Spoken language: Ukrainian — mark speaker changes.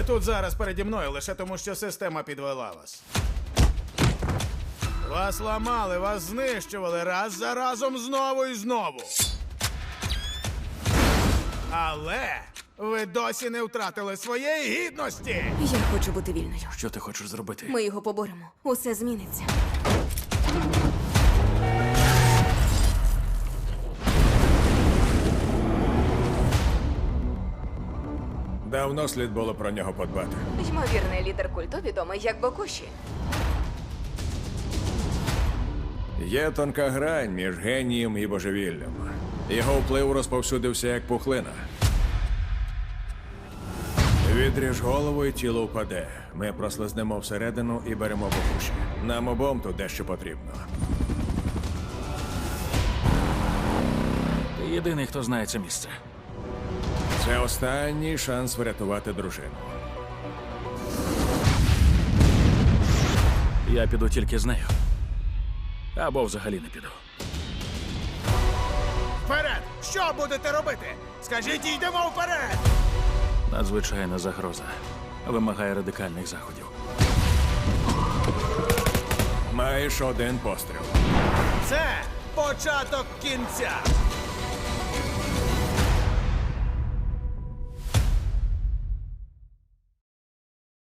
Speaker 1: Ви тут зараз переді мною лише тому, що система підвела вас. Вас ламали, вас знищували раз за разом знову і знову. Але ви досі не втратили своєї гідності.
Speaker 2: Я хочу бути вільною.
Speaker 3: Що ти хочеш зробити?
Speaker 2: Ми його поборемо. Усе зміниться.
Speaker 4: Давно слід було про нього подбати.
Speaker 2: Ймовірний лідер культу відомий як Бокуші.
Speaker 4: Є тонка грань між генієм і божевіллям. Його вплив розповсюдився як пухлина. Відріж голову і тіло впаде. Ми прослизнемо всередину і беремо Бокуші. Нам обом тут дещо потрібно.
Speaker 3: Ти єдиний, хто знає це місце.
Speaker 4: Це останній шанс врятувати дружину.
Speaker 3: Я піду тільки з нею. Або взагалі не піду.
Speaker 1: Вперед! Що будете робити? Скажіть, йдемо вперед!
Speaker 3: Надзвичайна загроза. Вимагає радикальних заходів.
Speaker 4: Маєш один постріл.
Speaker 1: Це початок кінця.